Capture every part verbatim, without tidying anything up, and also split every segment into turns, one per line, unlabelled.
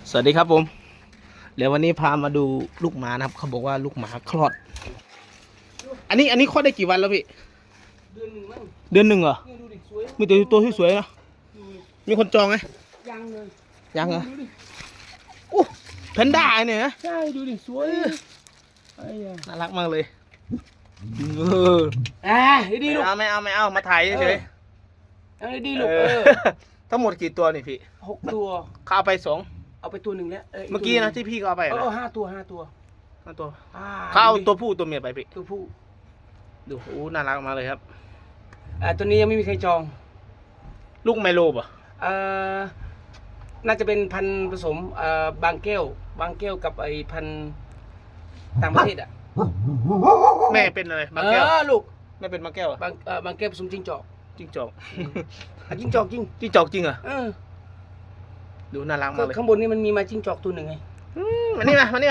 สวัสดีครับผมเดี๋ยววันนี้พามาดูลูกหมานะครับเขาบอกว่าลูกหมาคลอด อันนี้อันนี้คลอดได้กี่วันแล้วพี่
เดือนหนึ่งมั้ง
เดือนหนึ่งเหรอ
เนี่ยดูดิสวย
มีแต่ตัวที่สวยๆนะมีคนจองไหม
ยังเลย
ยังเหรอ
ดูดิ
อู้แพนด้าเนี่ยนะ
ใช่ดูดิสวยไอ้ยา
น่ารักมากเลยเออ
อ่าดีดี
ไม่
ลูก
เอาไม่เอาไม่เอามาถ่ายเฉย
เอาดี
ๆ
ลูก
เอ
เอ
อ
อ
ทั้งหมดกี่ตัวนี่พี่
หกตัว
เขาเอาไปสอง
เอาไปตัวหนึ่งแล้ว
เมื่อกี้นะที่พี่เขาเอาไป
เอ
นะ
อห้าตัวห้าตัว
ห้าตัว
อ่
เขาเอา
ดูดิ
ตัวผู้ตัวเมียไปพี่
ตัวผู้
ดูโอ้น่ารักมากเลยครับ
อ่าตัวนี้ยังไม่มีใครจอง
ลูกไมโลป่ะ
เอ่อน่าจะเป็นพันธุ์ผสมเอ่อบางแก้วบางแก้วกับไอ้พันธุ์ต่างประเทศอ่ะ
แม่เป็นอะไรมา
เอ
แก้ว
อลูก
แม่เป็นมาแก้วเหรอบ
างเอ่อบางแก้วผสมจิ้งจอก
จิ้งจอก
อ่ะจิ้งจอกจริง
จิ้งจอกจริงเหรอ
เออ
ดูน่ารัก
ก็
มากเลย
ข้างบนนี่มันมีมาจิ้งจอกตัวหนึ่งไง
อืมมานี่มามานี่มา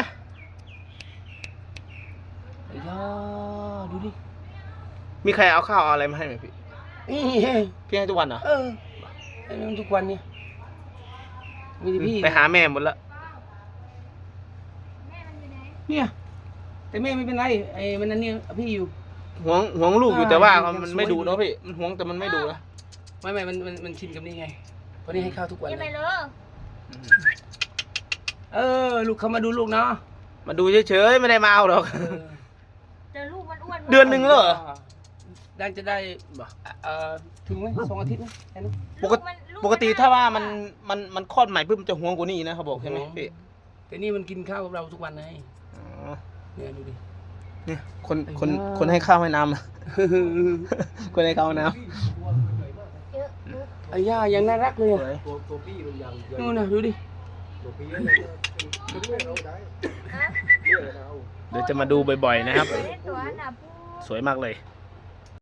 ไอ้ยาดูดิ
มีใครเอาข้าวเอาอะไรมาให้ไหมพี่
นี่
พี่ให้ทุกวันเหรอ
เออไอ้มันทุกวันเนี่ยมีแต่พี่
ไปหาแม่หมดละ
เนี่ย แต่แม่ไม่เป็นไรไอ้มันนั่นเนี่ยพี่อยู่
ห่วงห่วงลูกอยู่
อ่า
แต่ว่า
ยัง
มัน
สวย
ไม่ดู
อยู่
เนาะพี่มันห่วงแต่มันไม่ดูนะ
ไม่ไม่มันมันมันชินกับนี่ไงเพราะนี่ให้ข้าวทุกวัน
ยัง
เล
ไง
ย
เลย
เออ ลูกเขามาดูลูกเนาะ
มาดูเฉยๆไม่ได้มาเอาหรอก
เออ
แต่ลูกมันอ้วน
เดือนหนึ่งแล้วเหรอ
ได้จะได้เอ่อถึงไหมสองอาทิตย์ไหมแค่นี้
ปกติปกติถ้าว่ามันมันมันคลอดใหม่ปุ๊บมันจะห่วงกว่านี้นะเขาบอกใช่ไหมพี่
แต่นี่มันกินข้าวกับเราทุกวันไง
อ๋อ
เนี่ยดูดิ
เนี่ยคนคน
ไอ้บ้า
คนให้ข้าวให้น้ำอะ คนให้ข้าวให้น้
เยอะเยอะ
ไอ้ย่ายังน่ารักเลย
ำ
อะ
สวย
นู่นนะดูดิ
ฮะ
เดี๋ยวจะมาดูบ่อยๆนะครับ
เล่นตัวน่ะพู
สวยมากเลย
ด